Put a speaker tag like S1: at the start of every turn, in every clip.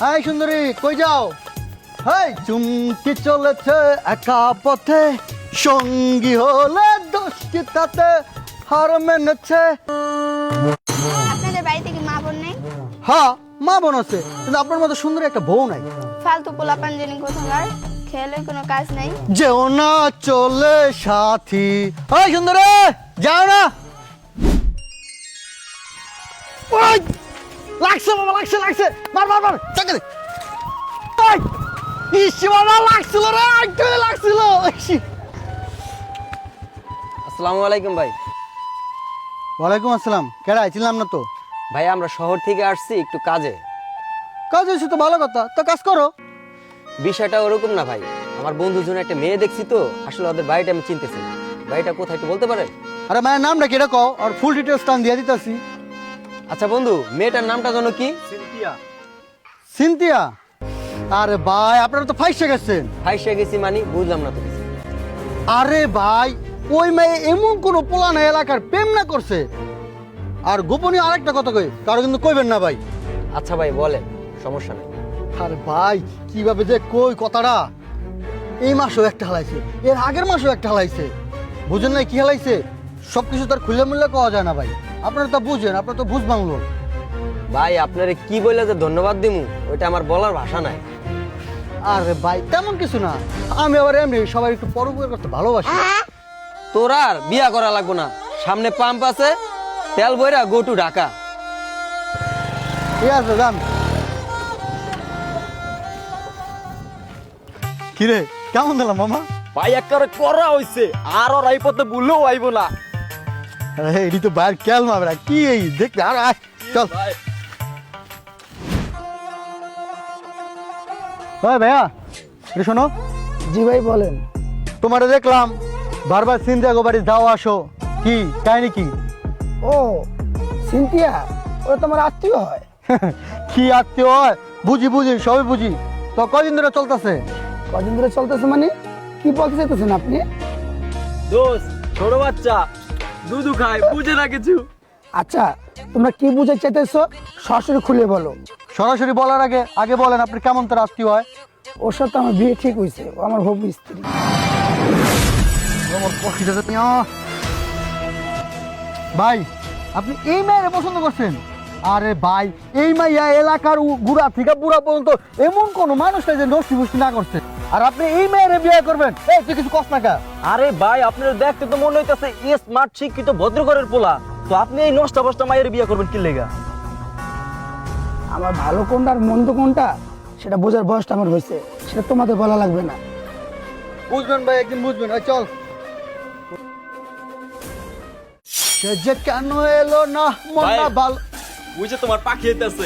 S1: High সুন্দরী, কই যাও? হাই চুমকি চলেছে একা পথে, সঙ্গী হলে দোষ কি তাতে, হার মেনেছে।
S2: আপনাদের বাড়িতে কি মা বোন নেই?
S1: হ্যাঁ, মা বোন আছে, কিন্তু আপনার মতো সুন্দর একটা বউ নাই।
S2: ফালতু পোলাপান জেনে কোথাকার, খেলে কোনো কাজ নাই।
S1: যেও না চলে সাথী। হাই সুন্দরী, যাও না। ওই, লাগছে বাবা, লাগছে লাগছে, মার মার মার, চাকা দে। ওই, ইসি বাবা লাগছিল রে, একটু লাগছিল।
S3: আসসালামু আলাইকুম ভাই।
S1: ওয়ালাইকুম আসসালাম। কেডা আইছিলাম না তো।
S3: ভাই আমরা শহর থেকে আসছি একটু কাজে।
S1: কাজ হয়েছে তো ভালো কথা, তো কাজ করো।
S3: বিষয়টা ওরকম না ভাই, আমার বন্ধুর জন্য একটা মেয়ে দেখছি তো, আসলে ওদের বাড়িটা আমি চিনতেছি না। বাড়িটা কোথায় একটু বলতে পারেন?
S1: আরে মায়ের নামটা কেটে কও, আর ফুল ডিটেলস টান দিয়ে দিতেছি।
S3: আচ্ছা বন্ধু, মেয়েটার নামটা যেন কি?
S1: সিনথিয়া। আরে ভাই, আপনারা তো ফাইসে গেছেন।
S3: ফাইসে গেছি মানে বুঝলাম না তো কিছু।
S1: আরে ভাই, ওই মেয়ে এমন কোন পোলানা এলাকার প্রেম না করছে। আর গোপনীয় আরেকটা কথা কই, কারো কিন্তু কইবেন না ভাই।
S3: আচ্ছা ভাই বলেন, সমস্যা নেই।
S1: আরে ভাই, কিভাবে যে কই কথাটা। এই মাসেও একটা হালাইছে, এর আগের মাসেও একটা হালাইছে। বুঝেন নাই কি হালাইছে? সবকিছু তার খুলে মুল্লে কওয়া যায় না ভাই। আপনারা তো বুঝেন, আপনারা তো বুঝ বাংলো।
S3: ভাই আপনারে কি বলে যে ধন্যবাদ দিমু, ওইটা আমার বলার ভাষা নাই।
S1: আরে ভাই তেমন কিছু না, আমি আবার এমনি সবাই একটু পরোপকার করতে ভালোবাসি।
S3: তোর আর বিয়া করা লাগবো না, সামনে পাম্প আছে, তেল বইরা গো টু ঢাকা।
S1: ঠিক আছে, যান। কিরে, কেমন দিলাম মামা?
S4: ভাই একবারে করা হইছে, আর ওর এই পথে ভুলেও আইব না।
S1: আরে এটি তো বাইর কেল মাবরা, কি এই দেখতে আর আয়, চল।
S4: ভাই
S1: ভাই ভাইয়া, এটা শোনো।
S5: জি ভাই বলেন।
S1: তোমারে দেখলাম বারবার সিনথিয়া গো বাড়ি যাও আসো, কি কাহিনী কি?
S5: ও সিনথিয়া, ওরা তোমার আত্মীয় হয়?
S1: কি আত্মীয় হয়? বুঝি বুঝি, সবই বুঝি। তো কয়দিন ধরে চলতেছে?
S5: কদিন ধরে চলতেছে মানে কি বলতে চাইতেছেন আপনি?
S4: দোস্ত, ছোট বাচ্চা দুধু খায়, বুঝে না কিছু।
S5: আচ্ছা, তোমরা কি বুঝতে চাইতেছো সরাসরি খুলে বলো।
S1: সরাসরি বলার আগে আগে বলেন আপনি কেমন তার আত্মীয় হয়?
S5: ওর সাথে আমার বিয়ে ঠিক হয়েছে, ও আমার হবু স্ত্রী।
S1: ভাই, আপনি এই মেয়েরে পছন্দ করছেন? আরে ভাই, এই মাইয়া এলাকার গুড়া থেকে বুড়া পর্যন্ত এমন কোন মানুষ নাই যে নষ্টি ফুষ্টি না করছে, আর আপনি এই মেয়েরে বিয়ে করবেন? এই তুই কিছু কষ্ট না কা?
S4: আরে ভাই, আপনার দেখতে তো মনে হইতাছে স্মার্ট শিক্ষিত ভদ্রঘরের পোলা, তো আপনি এই নষ্টা বষ্টা মায়ের বিয়ে করবেন কি লেগা?
S5: আমার ভালো কোনটা আর মন্দ কোনটা সেটা বোঝার বয়সটা আমার হয়েছে, সেটা তোমাদের বলা লাগবে না।
S1: বুঝবেন ভাই, একদিন বুঝবেন। চল। সে যে কেন এলো না মনটা
S4: ভাই।
S1: ভালো।
S4: বুঝে তোমার পাখি হইতাছে।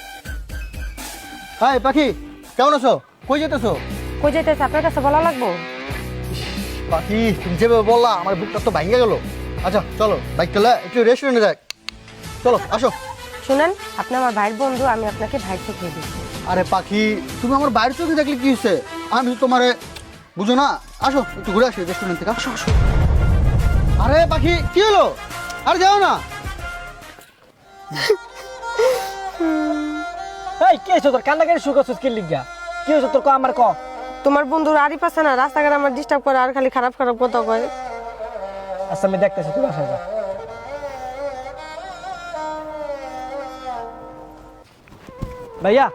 S1: হাই পাখি, কেমন আছো? কই যেতেছো?
S6: কই যাইতেছে আপনার কাছে বলা লাগবো?
S1: পাখি, তুমি যেভাবে বললা আমার বুকটা তো ভাঙে গেল। আচ্ছা চলো, বাইক চলে একটু রেস্টুরেন্টে যাই। চলো আসো।
S6: শুনেন, আপনি আমার ভাইয়ের বন্ধু, আমি আপনাকে ভাই চোখে দিচ্ছি।
S1: আরে পাখি, তুমি আমার বাইরে চোখে দেখলে কি হয়েছে? আমি তো তোমারে বুঝো না। আসো একটু ঘুরে আসি রেস্টুরেন্ট থেকে, আসো আসো। আরে পাখি, কি হলো? আরে যাও না।
S4: এই কি হইছে তোর? কান্নাকাটি শুরু করছিস কি লিগা? কি হইছে তোর? আমার ক।
S6: তোমার বন্ধুর আরিফ আছে না, রাস্তাঘাট আমার ডিস্টার্ব করে আর খালি খারাপ খারাপ কথা কয়।
S4: আচ্ছা আমি দেখতেছি, তুই বাসায় যা। ভাইয়া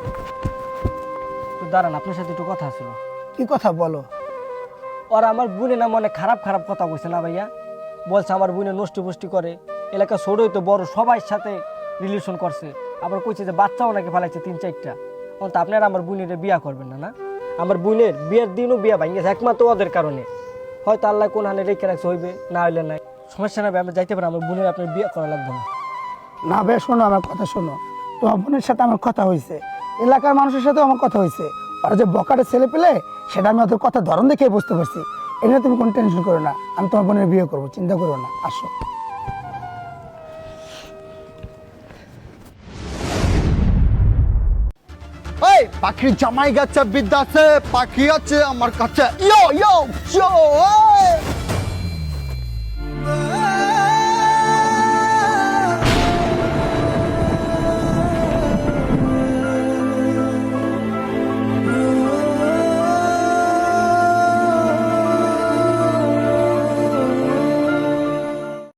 S4: তুই দাঁড়ান, আপনার সাথে একটু কথা ছিল।
S5: কি কথা বলো?
S4: ওরা আমার বোনে না মনে খারাপ খারাপ কথা কইছে না ভাইয়া? বলছে আমার বোনে নষ্টি পুষ্টি করে, এলাকা ছোটই তো বড় সবার সাথে রিলেশন করছে, আবার কইছে যে বাচ্চাও নাকি ফেলাইছে 3-4টা। তো আপনারা আমার বোনের বিয়া করবেন না? না, আমার বোনের বিয়ের দিনও বিয়া ভাঙ গেছে একমাত্র ওদের কারণে। হয়তো আল্লাহ কোন হানে রেখে রাখছে, হইবে না হইলে নাই, সমস্যা না ভাই, আমরা যাইতে পারি। আমার বোনের আপনার বিয়ে করা লাগবে না।
S5: না ভাই শোনো, আমার কথা শোনো। তোমার বোনের সাথে আমার কথা হয়েছে, এলাকার মানুষের সাথেও আমার কথা হয়েছে। ওরা যে বকাটে ছেলে পেলে সেটা আমি ওদের কথা ধরন দেখে বুঝতে পারছি। এটা নিয়ে তুমি কোনো টেনশন করো না, আমি তোমার বোনের বিয়ে করবো, চিন্তা করো না। আসো।
S1: এই পাখির জামাই গেছে বিদ্যা আছে, পাখি আছে আমার কাছে। ইয়ো ইয়ো ইয়ো।